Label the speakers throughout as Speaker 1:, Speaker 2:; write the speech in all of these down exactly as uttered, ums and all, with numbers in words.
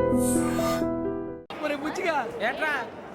Speaker 1: మరి బుచ్చిగా
Speaker 2: ఏట్రా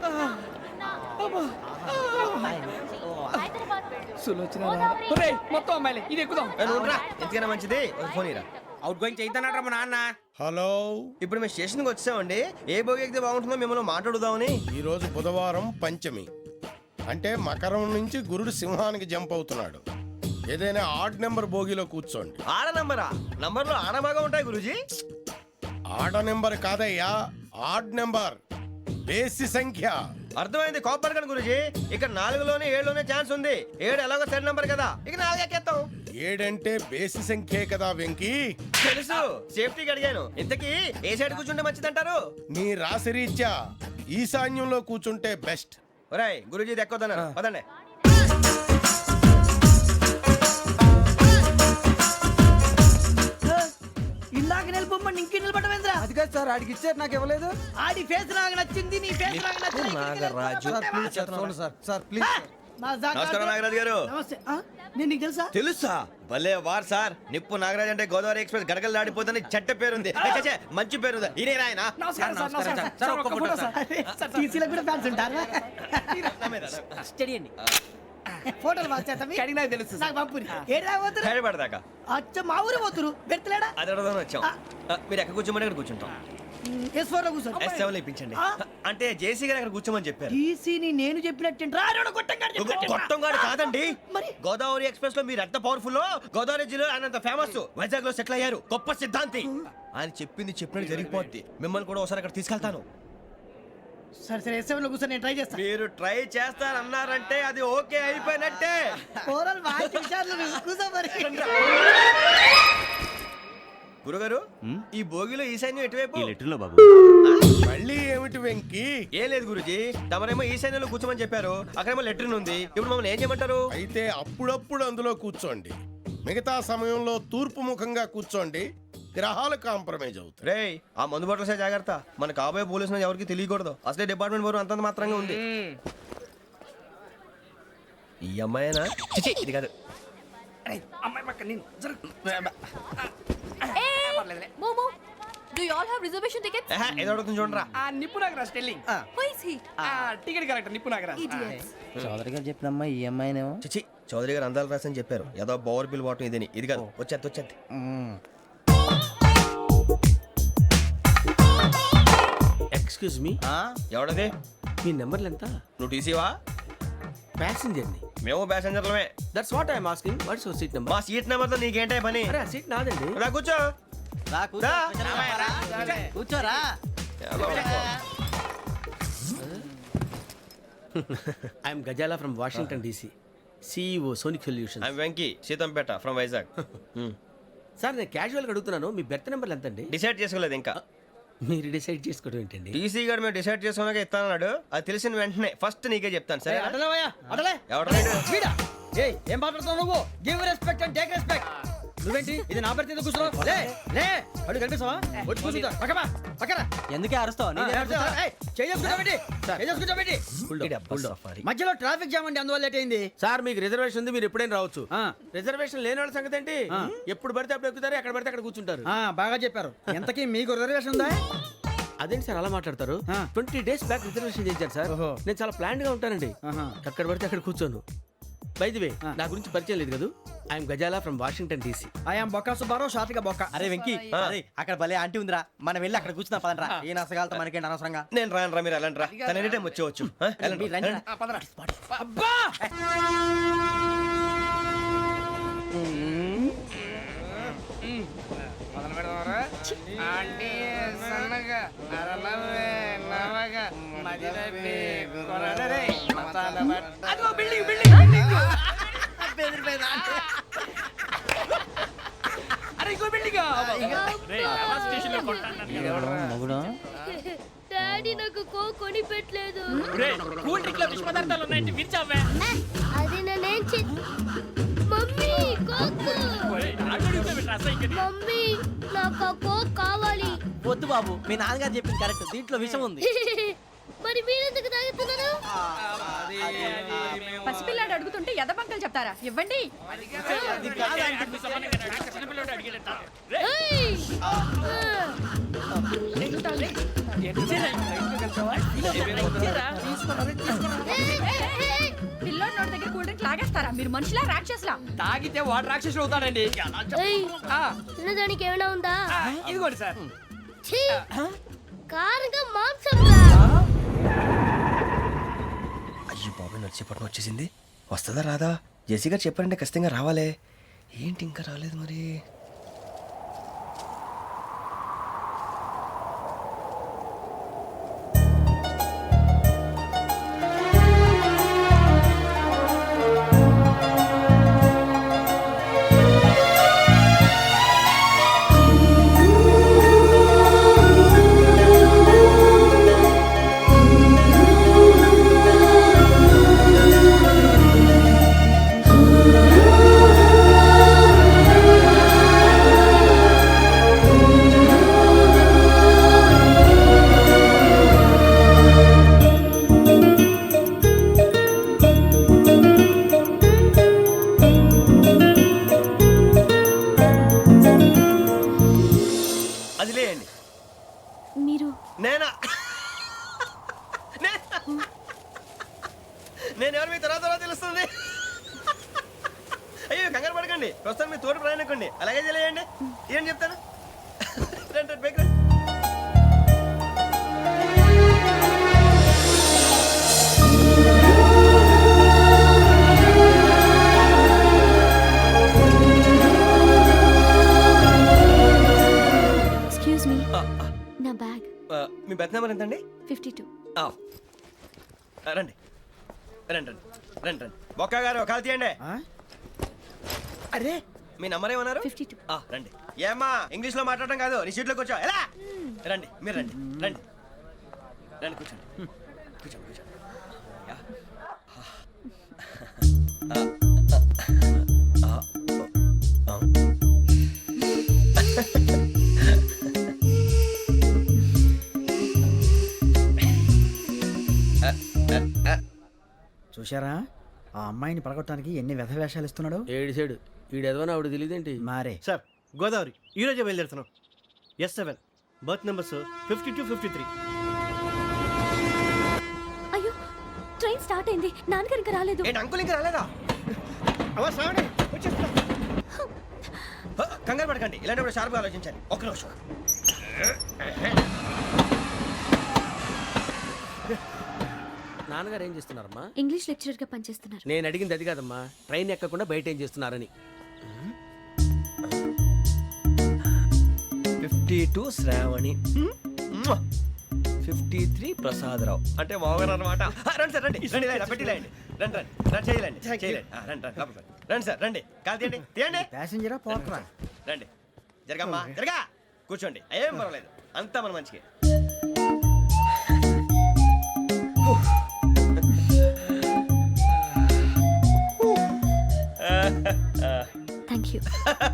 Speaker 1: సులోచన మొత్తం అమ్మాయిలే ఇది ఎక్కుదాం.
Speaker 3: ఎందుకైనా మంచిది ఫోన్ ఇరా.
Speaker 2: అవుట్ గోయింగ్ చేద్దానట్రా మా నాన్న.
Speaker 4: హలో,
Speaker 3: ఇప్పుడు మేము స్టేషన్కి వచ్చామండి. ఏ బోగి ఎక్కితే బాగుంటుందో మిమ్మల్ని మాట్లాడుదామని.
Speaker 4: ఈరోజు బుధవారం పంచమి, అంటే మకరం నుంచి గురుడు సింహానికి జంప్ అవుతున్నాడు. ఏదైనా ఆడ్ నెంబర్ బోగిలో కూర్చోండి.
Speaker 3: ఆడ నంబరా? నంబర్లో ఆడ బాగా ఉంటాయి గురూజీ.
Speaker 4: ఆడ నెంబర్ కాదయ్యా, ఆడ్ నెంబర్, బేసి సంఖ్య.
Speaker 3: అర్థమైంది కాపర్ కానీ గురూజీ. ఇక్కడ నాలుగులోనే ఏడులోనే ఛాన్స్ ఉంది. ఏడు ఎలాగో సెడ్ నంబర్ కదా, ఇక నాలుగు ఎక్కేస్తాం.
Speaker 4: ఏడంటే బేసి సంఖ్యే కదా వెంకీ.
Speaker 3: తెలుసు, సేఫ్టీకి అడిగాను. ఇంతకీ ఏ సైడ్ కూర్చుంటే మంచిదంటారు?
Speaker 4: నీ రాశి రీత్యా ఈశాన్యంలో కూర్చుంటే బెస్ట్.
Speaker 3: ఒరేయ్ గురూజీ దెక్కొద్దన్నారు పదండి.
Speaker 5: ఇలాగ నిలబొమ్మని ఇంకే నిలబడమేంద్రా?
Speaker 1: అది కాదు సార్, ఆడికి ఇచ్చారు నాకు ఇవ్వలేదు.
Speaker 5: ఆడి ఫేస్ నాకు నచ్చింది, నీ ఫేస్ నాకు నచ్చింది.
Speaker 3: Nagaraju
Speaker 1: sir sir please.
Speaker 5: నా జాగా-
Speaker 3: నమస్కారం నాగరాజు గారు.
Speaker 5: నమస్తే. ఆ? నేను నీకు తెలుసా?
Speaker 3: తెలుసా? భలే వార్ సార్. నిప్పు నాగరాజ్ అంటే గోదావరి ఎక్స్ప్రెస్ గడగలు దాడిపోతుంది చెట్ట పేరుంది. ఛే, మంచి పేరుంది. ఇదే ఆయన.
Speaker 5: నమస్కారం సార్, నమస్కారం సార్. సార్, ఒక్క ఫోటో సార్. అరే, సార్, టీసీలో కూడా ఫ్యాన్స్ ఉంటారా? స్టడీ అండి. ఫోటోలు పాస్ చేస్తాం.
Speaker 1: కడిగి నాకు తెలుసు సార్.
Speaker 5: నాకు పంపుని. ఏడా పోతురు?
Speaker 3: హైదరాబాద్
Speaker 5: అచ్చ మా ఊరు పోతురు. పెడతలేడా?
Speaker 3: అది అడగదామని వచ్చాం. ఆ, మీరు ఎక్కడ కూర్చోమని అక్కడ కూర్చుంటాం.
Speaker 5: ఎస్ ఫోర్ లో కూర్చో.
Speaker 3: ఎస్ సెవెన్ ఇప్పించండి. అంటే జేసీ గారు అక్కడ కూర్చోమని చెప్పారు.
Speaker 5: టీసీని నేను చెప్పినట్టు రాడు కొట్టంగాడు చెప్పినట్టు.
Speaker 3: గొట్టం గారు కాదండి.
Speaker 5: మరి?
Speaker 3: గోదావరి ఎక్స్ప్రెస్ లో మీరు ఎంత పవర్ఫుల్. గోదావరి జిల్లా ఆయన ఫేమస్. వైజాగ్ లో సెటిల్ అయ్యారు. గొప్ప సిద్ధాంతి. ఆయన చెప్పింది చెప్పినట్టు జరిగిపోద్ది. మిమ్మల్ని కూడా ఒకసారి అక్కడ తీసుకెళ్తాను.
Speaker 5: సరే సరే ఎస్ సెవెన్ లో కూర్చో, నేను ట్రై చేస్తాను.
Speaker 3: మీరు ట్రై చేస్తారన్నారంటే అది ఓకే అయిపోయినట్టే.
Speaker 5: ఓవరాల్ బాగా చూశారు. కూర్చో మరి.
Speaker 3: గురుగారు, ఈ భోగిలో ఈశాన్యం ఎటువైపు?
Speaker 4: మళ్ళీ ఏమిటి వెంకీ?
Speaker 3: ఏం లేదు గురుజీ, తమరేమో ఈశాన్యంలో కూర్చోమని చెప్పారు. అక్కడేమో లెట్రిన్ ఉంది. ఇప్పుడు మమ్మల్ని ఏం చేయమంటారు?
Speaker 4: అయితే అప్పుడప్పుడు అందులో కూర్చోండి. మిగతా సమయంలో తూర్పు ముఖంగా కూర్చోండి. గ్రహాలు కాంప్రమైజ్ అవుతాయి.
Speaker 3: రే, ఆ మందు బట్టలసే జాగ్రత్త. మన కాబోయే పోలీసులు ఎవరికి తెలియకూడదు. అసలే డిపార్ట్మెంట్ బోరు అంతంత మాత్రంగా ఉంది. ఈ అమ్మాయినా? చిచి, ఇది కాదు.
Speaker 1: అమ్మాయి పక్క నేను జరుగు.
Speaker 6: Momo, do you all have reservation tickets?
Speaker 3: ఏహే, ఏదో అడుగుతుంది చూడరా.
Speaker 1: ఆ నిప్పు Nagaraj telling.
Speaker 6: Who is he?
Speaker 1: ఆ టికెట్ కలెక్టర్ నిప్పు నాగరాజ్.
Speaker 6: Idiots.
Speaker 7: చౌదరి గారు చెప్పినమ్మా ఈ అమ్మాయినేమో.
Speaker 3: చిచి, చౌదరి గారు అందాలు రాసని చెప్పారు. ఏదో బోర్ బిల్ వాటం ఇదని. ఇది కాదు, వచ్చేది వచ్చేది.
Speaker 2: Excuse me,
Speaker 3: ఎవడది?
Speaker 2: మీ నెంబర్లు ఎంత?
Speaker 3: నువ్వు టీసీవా?
Speaker 2: ప్యాసింజర్ ని.
Speaker 3: మేము ప్యాసెంజర్లమే.
Speaker 2: That's what I'm asking. What's your seat number?
Speaker 3: మా సీట్ నెంబర్తో నీకేంటే పని?
Speaker 2: అరే ఆ సీట్ నాదండి.
Speaker 3: రా కూర్చో. రా.
Speaker 5: కూర్చోరా.
Speaker 2: I'm Gazala from Washington DC, CEO Sonic solution.
Speaker 3: I'm Venky, Seethampeta from Vizag.
Speaker 2: Sir నేను క్యాజువల్గా అడుగుతున్నాను, మీ బెర్త్ నెంబర్లు ఎంత అండి?
Speaker 3: డిసైడ్ చేసుకోలేదు ఇంకా.
Speaker 2: మీరు డిసైడ్ చేసుకోవడం ఏంటండి?
Speaker 3: టీసీ గారు మేము డిసైడ్ చేసుకున్నాక ఇస్తానన్నాడు. అది తెలిసిన వెంటనే ఫస్ట్ నీకే చెప్తాను. సరే
Speaker 5: అడలేవయ్యా, అడలే.
Speaker 3: ఎవడలేడు?
Speaker 5: వీడా? ఏయ్, ఏం మాట్లాడుతున్నావు నువ్వు? Give respect and take respect. నువ్వేంటి ఇది నా పరిస్థితి కూర్చున్నావు? లే లే, అడుగు కనిపిస్తావా? వచ్చి కూర్చుంటా. పక్కమా పక్కన.
Speaker 7: ఎందుకే అరుస్తావు?
Speaker 5: మధ్యలో ట్రాఫిక్ జామ్ అండి, అందువల్ల లేట్ అయింది.
Speaker 2: సార్ మీకు రిజర్వేషన్ ఉంది, మీరు ఎప్పుడైనా రావచ్చు. రిజర్వేషన్ లేని వాళ్ళ సంగతి ఏంటి? ఎప్పుడు పడితే అప్పుడు ఎక్కుతారు, ఎక్కడ పడితే అక్కడ కూర్చుంటారు.
Speaker 5: ఆ, బాగా చెప్పారు. ఎంతకీ మీకు రిజర్వేషన్ ఉందా?
Speaker 2: అదేంటి సార్ అలా మాట్లాడతారు? ట్వంటీ డేస్ బ్యాక్ రిజర్వేషన్ చేశారు సార్. నేను చాలా ప్లాన్డ్ గా ఉంటానండి. ఎక్కడ పడితే అక్కడ కూర్చోను. బై ది వే, నా గురించి పరిచయం లేదు కదా. I'm Gazala from Washington DC.
Speaker 5: I'm బొక్క సుబ్బారావు, షాతిక బొక్క.
Speaker 7: అరే వెంకీ, అరే అక్కడ భలే ఆంటీ ఉందిరా, మనం వెళ్ళి అక్కడ కూర్చున్నా పదనరా. ఏ నసగాలతో మనకేంటి అనవసరంగా.
Speaker 3: నేను రాను రా, మీరు వెళ్ళండి రా. తన ఎనీ టైం వచ్చేవచ్చు. ఆ, వెళ్ళండి, వెళ్ళండి.
Speaker 5: అబ్బా,
Speaker 1: మొదలు పెడదామరా? ఆంటీ సన్నగా నరనవ్వే నవగా మదిరపి కొరడరే మసాలా బట్ట. అదిగో బిల్డింగ్ బిల్డింగ్ బిల్డింగ్. అరే ఇంకో బిల్డింగ్.
Speaker 7: మగుడు
Speaker 6: డాడీ నాకు కో కొని పెట్టలేదు.
Speaker 1: కూల్ డ్రింక్ లో విష పదార్థాలు ఉన్నాయంటే విరిచావే.
Speaker 6: అది నేనేం చే మమ్మీ కోక్. మమ్మీ నాకు ఆ కోక్ కావాలి.
Speaker 7: వద్దు బాబు, మీ నాన్నగారు చెప్పింది కరెక్ట్. దీంట్లో విషయం ఉంది.
Speaker 6: మరి మీరెందుకు తాగుతున్నారు?
Speaker 8: పసిపిల్లాడు అడుగుతుంటే ఎదబంకలు చెప్తారా? ఇవ్వండి.
Speaker 6: ఏయ్! ఆ! ఏయ్, ఏయ్, ఏయ్!
Speaker 8: పిల్లోడి నోటి దగ్గర కూల్ డ్రింక్ లాగేస్తారా? మీరు మనుషులా రాక్షసులా?
Speaker 1: తాగితే వాడు రాక్షసుడు అవుతాడండి.
Speaker 6: ఏయ్,
Speaker 1: ఆ,
Speaker 6: తినడానికి ఏమైనా ఉందా?
Speaker 1: ఆ, ఇదిగోండి సార్.
Speaker 6: ఛీ! కారంగా మాంసం రా.
Speaker 3: అయ్యి బాబు నడిచేపట్నం వచ్చేసింది. వస్తుందా రాదా? జెసి గారు చెప్పారంటే ఖచ్చితంగా రావాలే. ఏంటి ఇంకా రాలేదు మరి? అది లేయండి.
Speaker 6: మీరు
Speaker 3: నేనా? నే- నేను ఎవరు మీ తర్వాత తర్వాత తెలుస్తుంది. అయ్యో కంగారు పడకండి, ప్రస్తుతం మీ తోటి ప్రయాణకండి. అలాగే తెలియండి. ఏం చెప్తాను. రండి, రండి, బైక్ రండి.
Speaker 6: ఎక్స్క్యూజ్ మీ, నా బ్యాగ్.
Speaker 3: ఆ, మీ బెత్ నెంబర్ ఎంతండి?
Speaker 6: Fifty two.
Speaker 3: ఆ. ఆ, రండి రండి రండి రండి రండి బొక్క గారు కాల్ తీయండి. అరే మీ నంబర్ ఏమన్నారు?
Speaker 6: Fifty two.
Speaker 3: ఆ, రండి. ఏమ్మా ఇంగ్లీష్ లో మాట్లాడడం కాదు, నీ సీట్లో కూర్చో. ఎలా రండి, మీరు రండి రండి రండి కూర్చోండి కూర్చోండి కూర్చోండి. యా. ఆ, ఆ, ఆ, ఆ.
Speaker 5: చూశారా ఆ అమ్మాయిని పడగొట్టడానికి ఎన్ని వ్యధ వేషాలు ఇస్తున్నాడు.
Speaker 2: ఏడు సైడు ఈడు ఎదవని ఆవిడ తెలియదేంటి?
Speaker 5: మారే
Speaker 9: సార్ గోదావరి ఈరోజే బయలుదేరుతున్నాం. S seven berth numbers fifty two fifty three.
Speaker 6: అయ్యో, ట్రైన్ స్టార్ట్ అయింది. నాన్నగారు ఇంకా రాలేదు.
Speaker 3: ఏంటి అంకుల్ ఇంకా రాలేదా? హ, కంగారు పడకండి, ఇలాంటప్పుడు షార్ప్గా ఆలోచించాలి. ఒక్క నిమిషం.
Speaker 2: నాన్నగారు ఏం చేస్తున్నారమ్మా?
Speaker 6: ఇంగ్లీష్ లెక్చరర్ గా పనిచేస్తున్నారు.
Speaker 2: నేను అడిగింది అది కాదమ్మా, ట్రైన్ ఎక్కకుండా బయట ఏం చేస్తున్నారని.
Speaker 3: Fifty two Shravani, fifty three Prasadarao అంటే మామగారు అనమాట. రండి సార్ రండి రండి రండి పెట్టి రండి రండి రండి రండి చేయలేండి చేయలేండి. ఆ, రండి రండి లోపలికి రండి. రండి సార్ రండి, కాల్ తీయండి తీయండి.
Speaker 5: ప్యాసింజరా పోట్రా.
Speaker 3: రండి జరగమ్మా జరగా కూర్చోండి, ఏం పర్వాలేదు, అంతా మన మంచికి.
Speaker 6: Thank you.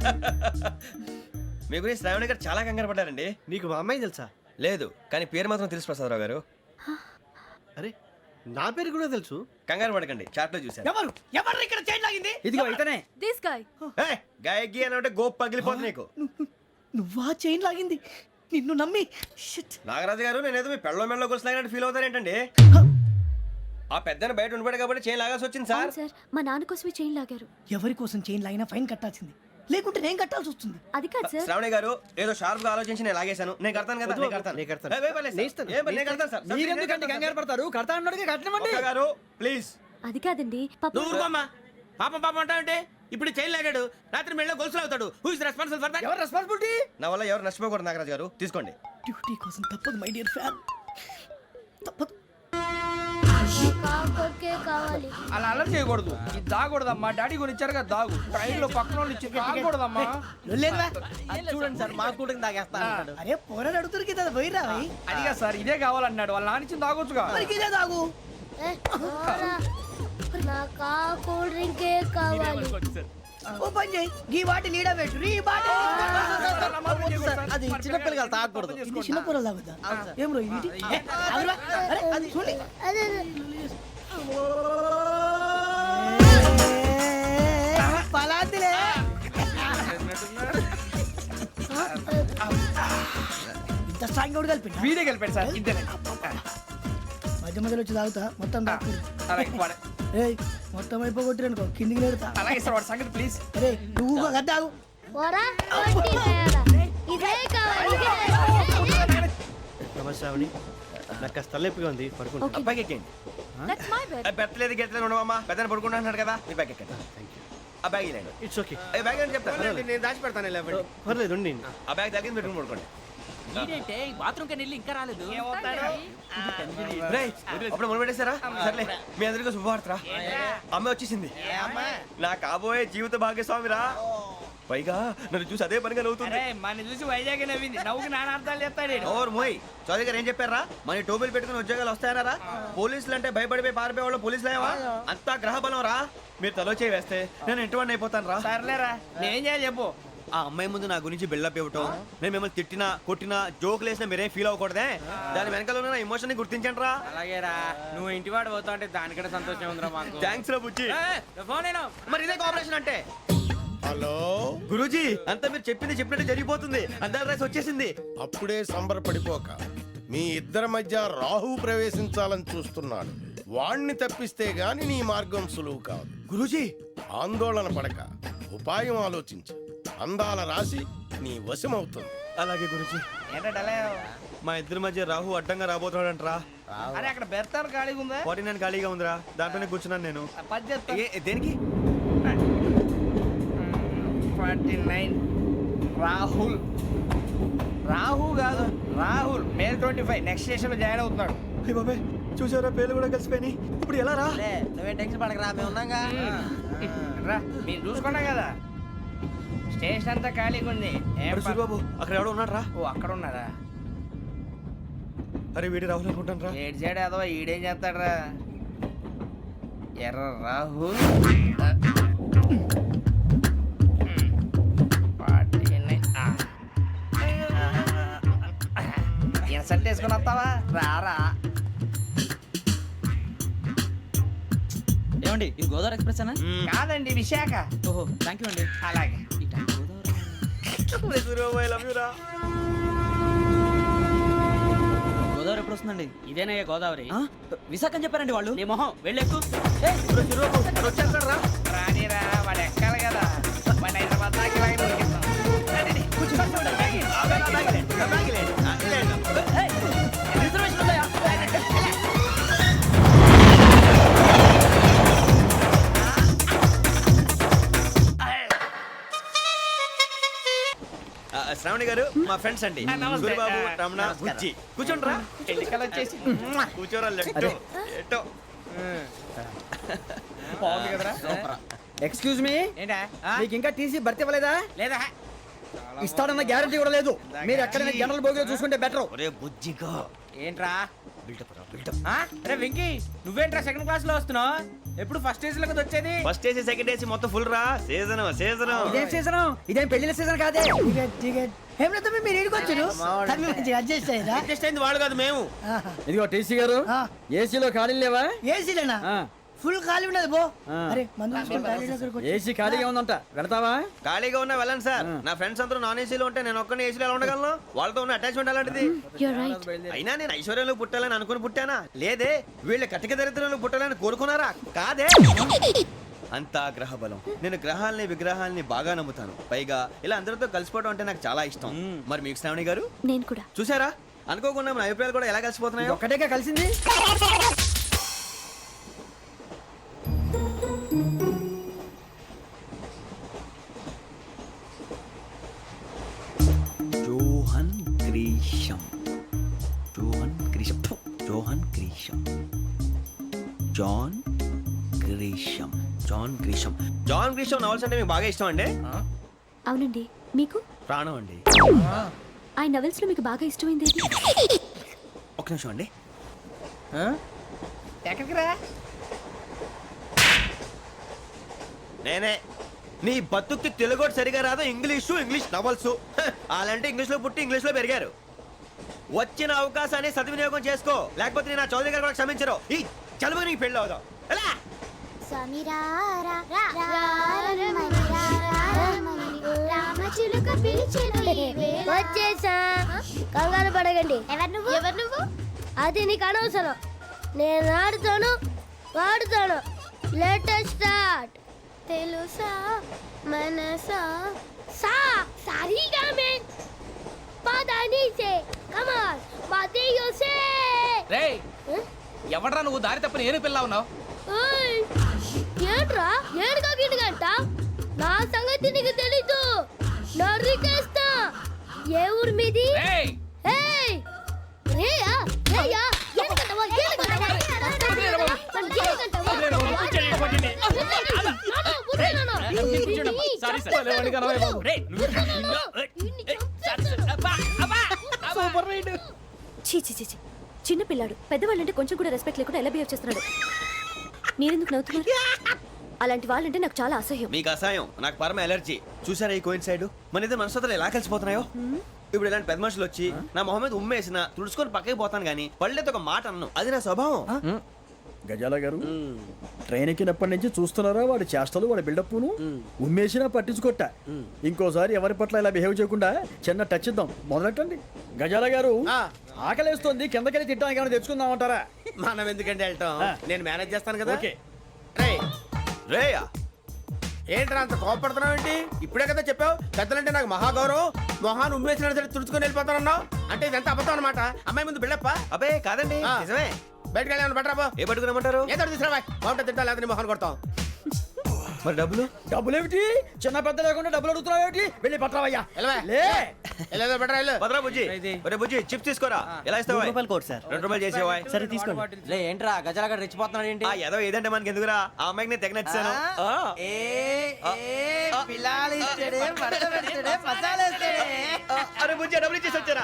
Speaker 3: మీ గురించి శ్రావణి గారు చాలా కంగారు పడ్డారండి.
Speaker 9: నీకు మా అమ్మాయి తెలుసా?
Speaker 3: లేదు, కానీ పేరు మాత్రం తెలుసు ప్రసాదరావు గారు.
Speaker 9: అరే నా పేరు కూడా తెలుసు.
Speaker 3: కంగారు పడకండి, చాట్ లో చూశాను.
Speaker 1: ఎవరు ఎవరు ఇక్కడ చైన్ లాగింది?
Speaker 5: ఇదిగో ఇతనే.
Speaker 6: This guy.
Speaker 3: ఏయ్, గాయకి అని అంటే గోప్ పగిలిపోతుంది నీకు.
Speaker 1: నువ్వా చైన్ లాగింది? నిన్ను నమ్మి. షిట్.
Speaker 3: నాగరాజు గారు నేనేదో మీ పెళ్ళ మెళ్ళలో గురిసిలాగినట్టు ఫీల్ అవుతారేంటండి? ఆ పెద్దని బయట ఉండిపోయాడు కాబట్టి చైన్ లాగాల్సి వచ్చింది సార్.
Speaker 6: అవును సార్, మా నాన్న కోసమే చైన్ లాగారు.
Speaker 1: ఎవరి కోసం చైన్ లాగినా ఫైన్ కట్టాల్సింది, లేకుంటే నేను కట్టాల్సి వస్తుంది.
Speaker 6: అది కాదు సార్.
Speaker 3: శ్రావణి గారు ఏదో షార్ప్ గా ఆలోచించి నేను లాగేశాను. నేను కడతాను కదా, నేను కడతాను.
Speaker 9: నేను కడతాను.
Speaker 3: ఏయ్, వేయ్ పర్లేదు సార్.
Speaker 9: నేను ఇస్తాను.
Speaker 3: ఏం పర్లేదు, నేను కడతాను సార్.
Speaker 5: మీరెందుకంటే కంగారు పడతారు? కడతా అన్నాడుగా కట్టమండి.
Speaker 3: ఒక్క గారు ప్లీజ్.
Speaker 6: అది కాదండి పాప.
Speaker 2: నువ్వు ఊరుకోమ్మా. పాపం పాపం అంటావంటే ఇప్పుడు చైన్ లాగాడు, రాత్రి మెళ్ళో గొలుసులు అవుతాడు. Who is responsible for that?
Speaker 5: ఎవరు రెస్పాన్సిబిలిటీ?
Speaker 3: నా వల్ల ఎవరు నష్టపోకూడదు నాగరాజు గారు, తీసుకోండి.
Speaker 1: డ్యూటీ కోసం తప్పదు మై డియర్ ఫ్యాన్, తప్పదు.
Speaker 6: కాకొక్కే కావాలి.
Speaker 1: అలా అలర్ట్ చేయకూడదు. ఇది దాగకూడదమ్మా, డాడీ కొని ఇచ్చారు కదా దాగు. ట్రైన్ లో పక్కన వాళ్ళు ఇచ్చి దాగకూడదమ్మా.
Speaker 7: చూడండి సార్ మా కూడా తాగేస్తా అంటాడు.
Speaker 1: అరే పోరాడు అడుగుతారు కదా పోయిరా. అదిగా సార్ ఇదే కావాలన్నాడు, వాళ్ళ నానిచ్చింది తాగొచ్చుగా. ఇదే తాగు.
Speaker 6: ఏ, పోరా. నాకు ఆ కూల్ డ్రింకే కావాలి.
Speaker 5: ఓ పని చేయి గీ వాటి లీడ పెట్టు ఈ బాటి
Speaker 7: అది చిన్నపిల్లలు తాగకూడదు
Speaker 5: ఇది చిన్న పొరలు తాగుతా ఏం రో ఇది ఏ, ఆగురా. అరే, అది చూడండి పలాతిలే ఇంత స్ట్రాంగ్ కూడా కలిపి
Speaker 1: వీడే గెలిపాడు సార్ ఇద్దరే
Speaker 5: మధ్య మధ్యలో వచ్చి తాగుతా మొత్తం తాకు
Speaker 1: అలాగే వాడు-
Speaker 5: ఏయ్ మొత్తం అయిపోగొట్టిరనుకో కిందికి నేడుతా
Speaker 1: అలాగే సార్ వాడు సంగతి ప్లీజ్
Speaker 5: అరే నువ్వు కదా తాగు
Speaker 6: పోరా, వడ్డీ తేడా. ఇదే కావాలి ఇదే.
Speaker 9: నమస్తే శ్రావణి నాకు కాస్త తలెప్పిగా ఉంది పడుకుంటా
Speaker 6: Okay.
Speaker 3: అబ్బాయికి ఎక్కండి
Speaker 8: దట్స్ మై బెడ్
Speaker 3: పెట్టలేదు గెట్టలేదు ఉండవమ్మా పెద్దని పడుకుంటున్నాడు కదా మీ బ్యాగ్ ఎక్కండి ఆ బ్యాగ్ ఇలాండి
Speaker 9: ఇట్స్ ఓకే
Speaker 3: ఏ బ్యాగ్ అని చెప్తాను
Speaker 4: నేను దాచి పెడతాను
Speaker 9: పర్లేదు ఉండి
Speaker 3: ఆ బ్యాగ్ తగ్గింది పెట్టుకుని పడుకోండి రేయ్, అప్పుడు మొదలు పెట్టేశారా సర్లే మీ అందరికీ శుభవార్తరా అమ్మ వచ్చేసింది నా కాబోయే జీవిత భాగ్యస్వామిరా పైగా నన్ను చూసి అదే పనిగా నవ్వుతుంది
Speaker 1: అరే మన చూసి వైజాగ్ నవ్వింది నవ్వుకి నాన్న అర్థాలు చెప్తాడు ఈడు.
Speaker 3: ఓర్ మోయ్ చౌదరి గారు ఏం చెప్పారా మన టోబీలు పెట్టుకుని ఉద్యోగాలు వస్తాయనరా పోలీసులు అంటే భయపడిపోయి పారిపోయే వాళ్ళు పోలీసులు అయ్యవా అంతా గ్రహ బలం రా మీరు తలో చేయి వేస్తే నేను ఇంటివాడిని అయిపోతాను రా
Speaker 1: సర్లేరా నేనేం చేయాలి చెప్పు
Speaker 3: ఆ అమ్మాయి ముందు నా గురించి బిల్డప్ ఇవ్వటం నేను మిమ్మల్ని తిట్టినా కొట్టినా జోకులు వేసినా మీరేం ఫీల్ అవ్వకూడదే దాని వెనకాల ఉన్న ఎమోషన్ ని గుర్తించండి రా
Speaker 1: అలాగేరా నువ్వు ఇంటి వాడు పోతా అంటే దానికంటే సంతోషం ఉందిరా మాకు
Speaker 3: థ్యాంక్స్ రా బుజ్జి
Speaker 1: ఫోన్
Speaker 3: మరి ఇదే కోఆపరేషన్ అంటే
Speaker 4: హలో
Speaker 3: గురూజీ అంతా మీరు చెప్పింది చెప్పినట్టు జరిగిపోతుంది అందాల రైస్ వచ్చేసింది
Speaker 4: అప్పుడే సంబరపడిపోక మీ ఇద్దరి మధ్య రాహు ప్రవేశించాలని చూస్తున్నాడు వాణ్ణి తప్పిస్తే గాని నీ మార్గం సులువు కాదు
Speaker 3: గురూజీ
Speaker 4: ఆందోళన పడక ఉపాయం ఆలోచించు అందాల రాశి నీ వశమవుతుంది
Speaker 3: అలాగే గురూజీ
Speaker 1: ఏంటంటే
Speaker 3: మా ఇద్దరి మధ్య రాహు అడ్డంగా రాబోతున్నాడంట్రా
Speaker 1: అరే అక్కడ బెర్తాను ఖాళీగా ఉందా
Speaker 3: ఫార్టీ నైన్ ఖాళీగా ఉందిరా దాంట్లోనే కూర్చున్నాను నేను
Speaker 1: పది చెప్తా
Speaker 3: ఏ- దేనికి
Speaker 1: ఫార్టీ నైన్ రాహుల్ రాహు కాదు Rahul May twenty five next station లో జాయిన్ అవుతున్నాడు
Speaker 3: అయ్య బాబాయ్ చూసారా పేర్లు కూడా కలిసిపోయినాయి ఇప్పుడు ఎలా రా
Speaker 7: నువ్వేం టెన్షన్ పడకరా మేము ఉన్నాగా
Speaker 1: రా మీరు చూసుకున్నా కదా స్టేషన్ అంతా ఖాళీగా ఉంది ఏం
Speaker 3: మరి
Speaker 1: ప-
Speaker 3: సూరిబాబు అక్కడ ఎవడో ఉన్నాడు రా
Speaker 1: ఓ అక్కడ ఉన్నారా
Speaker 3: అరే వీడి రాహుల్ అనుకుంటాను రా
Speaker 1: ఏడు సైడ్ ఏదో ఈడేం చేస్తాడరా ఎర్ర రాహుల్ ఇన్సల్ట్ వేసుకుని వస్తావా రారా
Speaker 7: ఏమండి ఇది గోదావరి ఎక్స్ప్రెస్ అనా
Speaker 1: కాదండి విశాఖ
Speaker 7: ఓహో థ్యాంక్ యూ అండి
Speaker 1: అలాగే
Speaker 3: సూరిబాబు ఐ లవ్ యూ రా
Speaker 7: గోదావరి ఎప్పుడు వస్తుందండి
Speaker 1: ఇదేనయ్య గోదావరి
Speaker 7: విశాఖ అని చెప్పారండి వాళ్ళు
Speaker 1: నీ మొహం వెళ్ళెక్కు
Speaker 3: వచ్చేస్తాడు రా
Speaker 1: రానిరా వాడు ఎక్కాలి కదా వాడు హైదరాబాద్ దాకా ఇలాగే దొరికిస్తాం. రండి, కూర్చో, కూర్చో, బ్యాగ్.
Speaker 7: రిజర్వేషన్ ఉందా
Speaker 3: ఆ, శ్రావణి గారు మా ఫ్రెండ్స్ అండి
Speaker 1: ఆ, నమస్తే.
Speaker 3: సూరిబాబు
Speaker 1: ఆ,
Speaker 3: రమణ బుజ్జి కూర్చోండి రా
Speaker 1: ఎన్నికలు వచ్చేసి
Speaker 3: కూర్చోరా లెట్టో ఎట్టో
Speaker 1: బాగుంది కదరా
Speaker 5: ఎక్స్క్యూజ్ మీ
Speaker 1: ఏంటా
Speaker 5: మీకు ఇంకా టీసీ భర్తీ ఇవ్వలేదా
Speaker 1: లేదా
Speaker 5: ఇస్తాడన్న గ్యారంటీ కూడా లేదు మీరు ఎక్కడైనా జనరల్ బోగిలో చూసుకుంటే బెటర్
Speaker 3: ఒరే బుజ్జిగా
Speaker 1: ఏంట్రా
Speaker 3: బిల్డప్ రా బిల్డప్
Speaker 1: ఆ? అరే వెంకీ నువ్వేంట్రా సెకండ్ క్లాస్ లో వస్తున్నావు ఎప్పుడు ఫస్ట్ ఏజ్ లో కదా వచ్చేది
Speaker 3: ఫస్ట్ ఏసీ సెకండ్ ఏసీ మొత్తం ఫుల్ రా సీజన్ సీజన్
Speaker 5: ఇదేం సీజన్ ఇదేం పెళ్లిన సీజన్ కాదే టికెట్ టికెట్ ఏం లేదు మీరు ఇడికి వచ్చారు అడ్జస్ట్ అయ్యారా
Speaker 3: అడ్జస్ట్ అయింది వాళ్ళు కాదు మేము
Speaker 5: ఇదిగో టీసీ గారు ఏసీలో ఖాళీ లేవా ఏసీలేనా ఫుల్ ఖాళీ ఉండదు బో అరే ఏసీ ఖాళీగా ఉందంట వెళ్తావా
Speaker 3: ఖాళీగా ఉన్నా వెళ్ళండి సార్ నా ఫ్రెండ్స్ అందరూ నాన్ ఏసీలో ఉంటే నేను ఒక్కనే ఏసీలో ఎలా ఉండగలను వాళ్ళతో ఉన్న అటాచ్మెంట్ అలాంటిది
Speaker 6: You're right.
Speaker 3: అయినా నేను ఐశ్వర్యంలో పుట్టాలని అనుకుని పుట్టానా లేదే వీళ్ళ కటిక దరిద్రంలో పుట్టాలని కోరుకున్నారా కాదే అంతా గ్రహ బలం నేను గ్రహాలని విగ్రహాలని బాగా నమ్ముతాను పైగా ఇలా అందరితో కలిసిపోవడం అంటే నాకు చాలా ఇష్టం మరి మీకు శ్రావణి గారు
Speaker 6: నేను కూడా
Speaker 3: చూసారా అనుకోకుండా మన అభిప్రాయాలు కూడా ఎలా కలిసిపోతున్నాయో
Speaker 5: ఒక్కటేగా కలిసింది
Speaker 3: జోహన్ గ్రీషం జోహన్ గ్రీషం ఫు, John Grisham John Grisham John Grisham John Grisham novels అంటే మీకు బాగా ఇష్టం అండి
Speaker 6: అవునండి మీకు
Speaker 3: ప్రాణం అండి
Speaker 6: ఆ నవెల్స్ లో మీకు బాగా ఇష్టమైంది ఏది?
Speaker 3: ఒక నిమిషం అండి
Speaker 1: ఎక్కడికి రా
Speaker 3: నేనే నీ బతుక్కి తెలుగు సరిగా రాదు, ఇంగ్లీషు ఇంగ్లీష్ నవల్స్. అలాంటి ఇంగ్లీష్ లో పుట్టి ఇంగ్లీష్ లో పెరిగారు. వచ్చిన అవకాశాన్ని సద్వినియోగం చేసుకో, లేకపోతే నేను నా చౌదరి గారు కూడా క్షమించరు. ఈ చదువు నీకు పెళ్ళి అవుదాం. ఎలా
Speaker 6: వచ్చేసా, కంగారు పడగండి. ఎవరు నువ్వు ఎవరు నువ్వు అది నీకు అనవసరం. నేను ఆడుతాను వాడుతాను. Latest start. తెలుసా మనసా సా సారీగా మే పదని సే కమాన్ బాతియో సే.
Speaker 1: రేయ్ ఎవడ్రా నువ్వు దారి తప్పని ఏను పిల్ల ఉన్నావు?
Speaker 6: ఓయ్ ఏంట్రా ఏడుగా గిడుగంట? నా సంగతి నీకు తెలీదు. నరికేస్తా. ఏ ఊరు మీది?
Speaker 1: రేయ్
Speaker 6: ఏయ్ రేయా రేయా ఏడుగంటవా ఏడుగంటవా
Speaker 8: చీ చీ చీ చీ. చిన్న పిల్లాడు పెద్దవాళ్ళంటే కొంచెం కూడా రెస్పెక్ట్ లేకుండా ఎలా బిహేవ్ చేస్తున్నాడు. మీరెందుకు నవ్వుతున్నారు? అలాంటి వాళ్ళంటే నాకు చాలా అసహ్యం.
Speaker 3: మీకు అసహాయం, నాకు పరమ ఎలర్జీ. చూసారా ఈ కోయిన్ సైడ్? మన ఇద్దరు మనస్తత్వాలు ఎలా కలిసిపోతున్నాయో. ఇప్పుడు ఇలాంటి పెద్ద మనుషులు వచ్చి నా మొహం మీద ఉమ్మేసిన తుడుచుకొని పక్కకి పోతాను కానీ పళ్ళేతో ఒక మాట అన్ను. అది నా స్వభావం.
Speaker 5: గజాల గారు ట్రైన్ ఎక్కినప్పటి నుంచి చూస్తున్నారా వాడి చేష్టలు, వాడి బిల్డప్ను. ఉమ్మేసినా పట్టించుకోట. ఇంకోసారి ఎవరి పట్ల ఇలా బిహేవ్ చేయకుండా చిన్న టచ్ ఇద్దాం. మొదలెట్టండి. గజాల గారు ఆకలేస్తోంది, కిందకెళ్ళి తిట్టడానికి ఏమైనా తెచ్చుకుందామంటారా?
Speaker 2: మనం ఎందుకంటే వెళ్తాం, నేను మేనేజ్ చేస్తాను కదా.
Speaker 5: ఓకే.
Speaker 2: రేయ్
Speaker 3: రేయా
Speaker 2: ఏంట్రా అంత కోపడుతున్నావు ఏంటి? ఇప్పుడే కదా చెప్పావు పెద్దలంటే నాకు మహాగౌరవం, మొహాన్ని ఉమ్మేసిన సరే తుడుచుకొని వెళ్ళిపోతానన్నావు. అంటే ఇదంతా అబద్ధం అనమాట. అమ్మాయి ముందు బిళ్ళప్ప.
Speaker 3: అబ్బే కాదండి,
Speaker 2: ఆ.
Speaker 3: నిజమే.
Speaker 2: బయటకు వెళ్ళాను బట్రాబో.
Speaker 3: ఏ పట్టుకురమ్మంటారు?
Speaker 2: ఏదో తీసుకురా బాగుంటుంది తింటా, లేకపోతే నీ మొహాన్ని కొడతాం.
Speaker 3: మరి డబ్బులు?
Speaker 5: డబ్బులు ఏమిటి? చిన్న పెద్ద లేకుండా డబ్బులు అడుగుతున్నావు ఏమిటి? వెళ్ళి పట్టరావయ్యా.
Speaker 2: వెళ్ళవా?
Speaker 5: లే
Speaker 2: వెళ్ళేదో బట్రా వెళ్ళు.
Speaker 3: భద్రా బుజ్జి, ఒరే బుజ్జి చిప్స్ తీసుకోరా. ఎలా ఇస్తావా?
Speaker 7: రూపాయలు కోట్ సార్.
Speaker 3: రెండు రూపాయలు చేసేవా?
Speaker 7: సరే తీసుకోండి. లే ఏంట్రా గజాల గడ రెచ్చిపోతున్నాడు ఏంటి?
Speaker 3: ఆ ఏదో ఏదంటే మనకి ఎందుకురా, ఆ అమ్మాయికి నేను తెగ నచ్చాను. అరే బుజ్జి డబ్బులు ఇచ్చేసి వచ్చారా?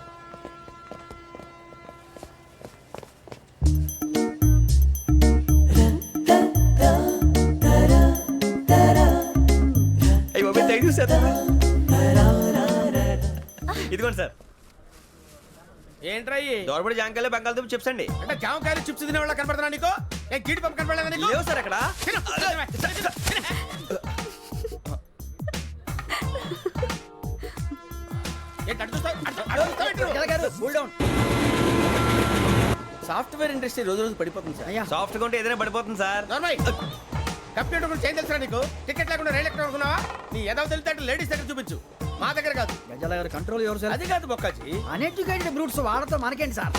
Speaker 3: అయ్యో థ్యాంక్ యూ సార్. ఇదిగోండి సార్.
Speaker 2: ఏంట్రా ఇయ్యి?
Speaker 3: దోరబడి జాంకాయలు బంగాళదుంప చిప్స్ అండి.
Speaker 2: అంటే జామకాయలు చిప్స్ తినే వాళ్ళ కనపడుతున్నా నీకు? ఏ గీడి పంప కనపడలేదా నీకు?
Speaker 3: లేవు సార్ అక్కడ.
Speaker 2: తిను, తిను, తిను. ఏంటి అటు చూస్తావు? అటు చూ- అటు చూస్తావు ఏంటి నువ్వు?
Speaker 5: గజాల గారు కూల్ డౌన్.
Speaker 2: సాఫ్ట్వేర్ ఇండస్ట్రీ రోజు రోజు పడిపోతుంది సార్.
Speaker 5: అయ్యా
Speaker 3: సాఫ్ట్ గా ఉంటే ఏదైనా పడిపోతుంది సార్.
Speaker 2: నార్మల్ కంప్యూటర్ గురించి ఏం తెలుసా నీకు? టికెట్ లేకుండా రైలు ఎక్కడ అనుకున్నావా? నీ ఏదో తెలితే లేడీస్ దగ్గర చూపించు, మా దగ్గర కాదు.
Speaker 5: గజాల గారు కంట్రోల్ ఎవరు సార్?
Speaker 2: అది కాదు బొక్కాజీ.
Speaker 5: అన్ఎడ్యుకేటెడ్ బ్రూట్స్ వాడతో మనకేంటి సార్?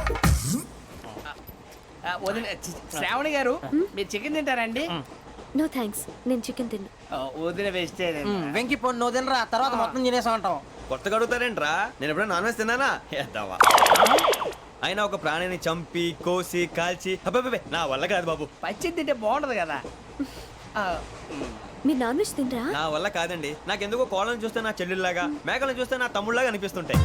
Speaker 1: శ్రావణి గారు మీరు చికెన్ తింటారండి?
Speaker 8: నో థ్యాంక్స్, నేను చికెన్ తిన్నా.
Speaker 1: వదిన వేస్తే
Speaker 7: వెంకి పొన్ను నువ్వు తినరా, తర్వాత మొత్తం తినేసా ఉంటాం.
Speaker 3: కొత్తగా అడుగుతారేంట్రా? నేను ఎప్పుడైనా నాన్ వెజ్ తిన్నానా? ఎద్దావా. అయినా ఒక ప్రాణిని చంపి కోసి కాల్చి అబ్బబ్బబ్బే, నా వల్ల కాదు బాబు.
Speaker 1: పచ్చి తింటే బాగుంటది కదా.
Speaker 8: మీరు నాన్ వెజ్ తినరా?
Speaker 3: నా వల్ల కాదండి. నాకెందుకో కోళ్ళని చూస్తే నా చెల్లెళ్ళలాగా, మేకలను చూస్తే నా తమ్ముళ్ళలాగా అనిపిస్తుంటాయి.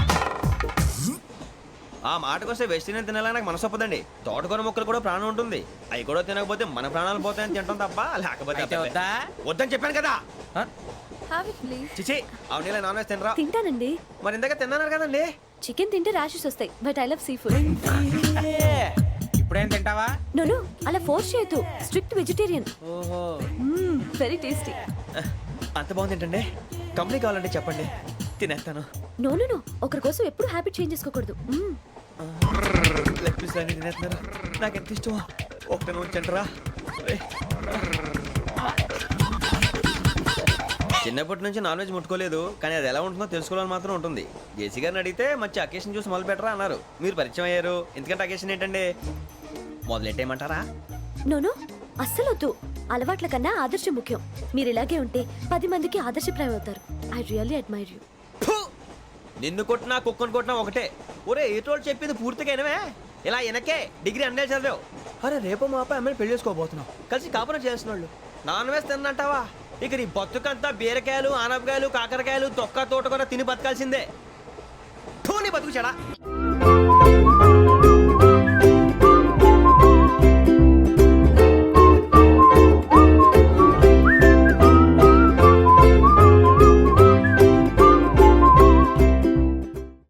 Speaker 3: ఆ మాటకొస్తే వెస్టిరియన్ తినాలని నాకు మనసు ఒప్పదండి. తోటకూర మొక్కలు కూడా ప్రాణం ఉంటుంది. అవి కూడా తినకపోతే మన ప్రాణాలు పోతాయని తింటాం తప్ప, లేకపోతే
Speaker 1: అయితే
Speaker 3: అబ్బబ్బే.
Speaker 1: వద్దా?
Speaker 3: వద్దని చెప్పాను కదా.
Speaker 8: Have it please.
Speaker 3: చిచి అవునీ నాన్ వెజ్ తినరా?
Speaker 8: తింటానండి.
Speaker 3: మరి ఇందాక తిన్నాను కదండి.
Speaker 8: చికెన్ తింటే ర్యాషెస్ వస్తాయి, but I love seafood.
Speaker 1: ఇప్పుడేం తింటావా?
Speaker 8: నో నో, అలా ఫోర్స్ చేయొద్దు. Strict vegetarian.
Speaker 1: ఓహో
Speaker 8: వెరీ టేస్టీ.
Speaker 3: అంత బాగుంది ఏంటండి? కంపెనీ కావాలంటే చెప్పండి, తినేస్తాను.
Speaker 8: నో నో నో, ఒకరి కోసం ఎప్పుడు హ్యాబిట్ చేంజ్ చేసుకోకూడదు. మ్మ్.
Speaker 3: లెగ్ పీస్ అన్ని తినేస్తున్నారు. నాకు ఎంత ఇష్టమో ఒకటే ఉంచండిరా. చిన్నప్పటి నుంచి నాన్ వెజ్ ముట్టుకోలేదు, కానీ అది ఎలా ఉంటుందో తెలుసుకోవాలని మాత్రం ఉంటుంది. జేసీ గారిని అడిగితే మంచి అకేషన్ చూసి మొదలు పెట్టరా అన్నారు. మీరు పరిచయం అయ్యారు, ఎందుకంటే అకేషన్ ఏంటండి? మొదలెట్టేయమంటారా?
Speaker 8: నో నో, అస్సలు వద్దు. అలవాట్ల కన్నా ఆదర్శం ముఖ్యం. మీరు ఇలాగే ఉంటే పది మందికి ఆదర్శప్రాయం అవుతారు. I really admire you.
Speaker 3: నిన్ను కొట్టినా కుక్కను కొట్టినా ఒకటే. ఒరే ఏటోళ్ళు చెప్పింది పూర్తిగా వినవే. ఇలా వెనకే డిగ్రీ అన్నే చదివావు. అరే రేపు మా అబ్బాయి అమ్మాయిని పెళ్లి చేసుకోబోతున్నావు, కలిసి కాపురం చేస్తున్నాళ్ళు. Non veg తిన్నంటావా? ఇక నీ బతుకంతా బీరకాయలు ఆనపకాయలు కాకరకాయలు తొక్క తోట కూడా తిని బతకాల్సిందే. ధోని బతుకు చెడా.